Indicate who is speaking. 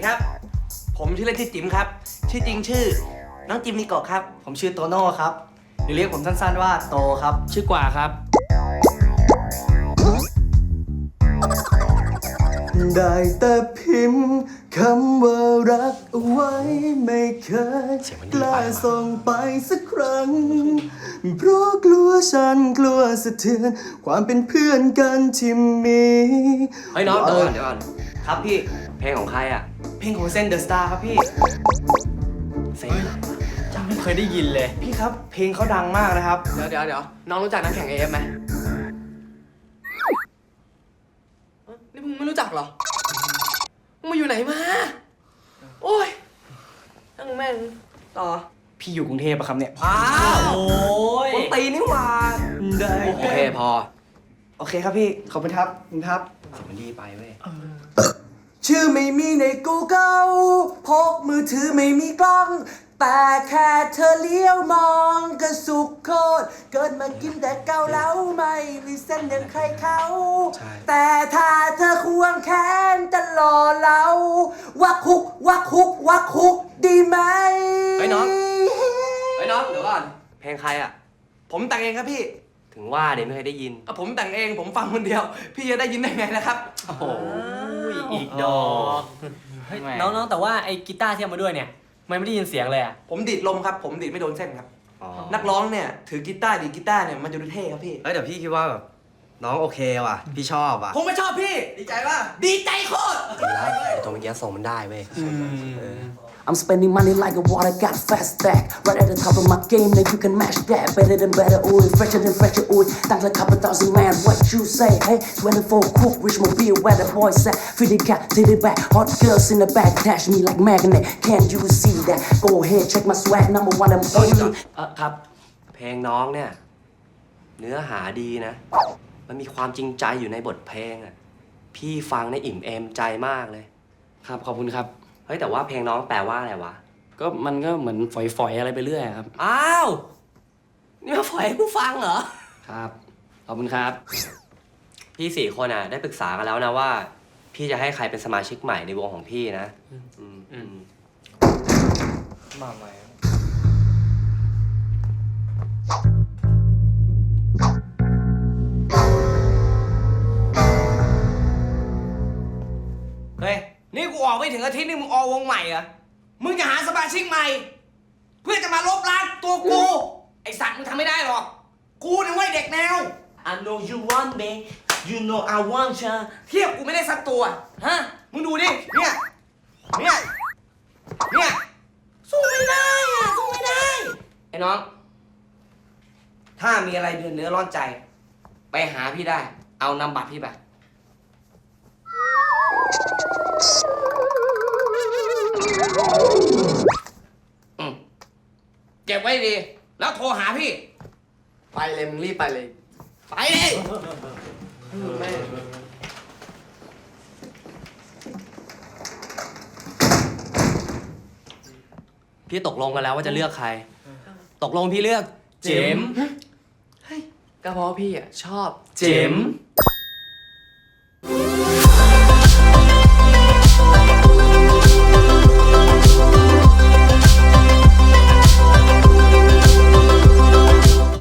Speaker 1: ครับผมชื่อเล่นชื่อจิ๋มครับชื่อจริงชื่อน้องจิมนิโกะครับ
Speaker 2: ผมชื่อโตโน่ครับหรือเรียกผมสั้นๆว่าโตครับ
Speaker 3: ชื่อกว่าครับ
Speaker 2: ได้แต่พิมพ์คำว่ารักเอาไว้ไม่เคยกล้าส่งไปสักครั้งเพราะกลัวฉันกลัวสะเทือนความเป็นเพื่อนกันที่มี
Speaker 1: เฮ้ยน้องเดี๋ยวก่อน
Speaker 2: ครับพี่
Speaker 1: เพลงของใครอ่ะ
Speaker 2: เพลงของเซนเดอะสตาร์ครับพี่
Speaker 1: เซ็ง
Speaker 3: จำไม่เคยได้ยินเลย
Speaker 2: พี่ครับเพลงเขาดังมากนะครับ
Speaker 1: เดี๋ยวน้องรู้จักนักแข่ง AF ไหมนี่มึงไม่รู้จักเหรอมึงมาอยู่ไหนมาโอ้ยตั้งแม่งต่อ
Speaker 2: พี่อยู่กรุงเทพปะครับเนี่ย
Speaker 1: อ้าว
Speaker 3: โอ้ย
Speaker 1: คนตีนี่หว่า
Speaker 2: ได้
Speaker 1: โอเคพอ
Speaker 2: โอเคครับพี่ขอบคุณครับขอบคุณครับ
Speaker 1: เสียงมันดีไปเว้ย
Speaker 2: ชื่อไม่มีใน Google พกมือถือไม่มีกล้อง แต่แค่เธอเลี้ยวมองก็สุขโคตรเกิดมากินแต่เกาเหลาไม่มีเส้นเดินใครเขาแต่ถ้าเธอควงแขนจะหล่อเหลาวักคุกวักคุกวักคุกดีไหม
Speaker 1: เฮ้ยน้องเดี๋ยวก่อนเพลงใครอ่ะ
Speaker 2: ผมแต่งเองครับพี่
Speaker 1: ถึงว่าเนี่ยไม่เคยได้ยิน
Speaker 2: ผมแต่งเองผมฟังคนเดียว พี่จะได้ยินได้ไงนะครับ
Speaker 1: โอ้โห
Speaker 3: อีกดอกเฮ้ยน้องๆแต่ว่าไอ้กีตาร์ที่เอามาด้วยเนี่ยมันไม่ได้ยินเสียงเลยอ่ะ
Speaker 2: ผมดีดลมครับผมดีดไม่โดนเส้นครับ
Speaker 1: อ๋อ
Speaker 2: นักร้องเนี่ยถือกีตาร์ดีดกีตาร์เนี่ยมันจะดูเท่ครับพี่
Speaker 4: เฮ้ยเดี๋ยวพี่คิดว่าแบบน้องโอเคว่ะ พี่ชอบว่ะ
Speaker 2: ผมไม่ชอบพี่ ดีใจป่ะดีใจโคตร
Speaker 1: ตัวเมื่อกี้ส่งมันได้เว้ย
Speaker 5: I'm spending money like a water, got a fast stack. Right at the top of my game, now you can match that. Better than better, ooh, fresher than fresher, ooh. Thanks like a couple thousand man, what you say? Hey, 24 cook, rich mobile, where the boys at? Feed the cat, take it back. Hot girls in the back, dash me like magnet. Can't you see that? Go ahead, check my swag, number one, I'm only.
Speaker 3: ครับ
Speaker 1: เพลงน้องเนี่ย เนื้อหาดีนะ มันมีความจริงใจอยู่ในบทเพลงอ่ะ พี่ฟังในอิ่มเอมใจมากเลย
Speaker 3: ครับขอบคุณครับ
Speaker 1: เฮ้ยแต่ว่าเพลงน้องแปลว่าอะไรวะ
Speaker 3: ก็มันก็เหมือนฝอยๆอะไรไปเรื่อยอะครับ
Speaker 1: อ้าว นี่มาฝอยให้กูฟังเหรอ
Speaker 3: ครับขอบคุณครับ
Speaker 1: พี่สี่คนอ่ะ ได้ปรึกษากันแล้วนะว่า พี่จะให้ใครเป็นสมาชิกใหม่ในวงของพี่นะ
Speaker 2: มาใหม่ เฮ้ย นี่กูออกไม่ถึงอาทิตย์นี่มึงออกวงใหม่เหรอ มึงจะหาสมาชิกใหม่ เพื่อจะมาลบล้างตัวกู ไอสัตว์มึงทำไม่ได้หรอก กูนี่ไว้เด็กแนว
Speaker 6: I know you want me, you know I want you.
Speaker 2: เทียบกูไม่ได้สักตัว ฮะ มึงดูดิ เนี่ย สู้ไม่ได้อะสู้ไม่ได้ ไอ้น้อง ถ้ามีอะไรเดือดเนื้อร้อนใจ ไปหาพี่ได้ เอานำบัตรพี่ไป เก็บไว้ดี แล้วโทรหาพี่
Speaker 1: ไปเลยมึงรีบไปเลย
Speaker 2: ไปดิ
Speaker 1: พี่ตกลงกันแล้วว่าจะเลือกใคร ตกลงพี่เลือกเจมส์ก็เพราะพี่อ่ะชอบเจมส์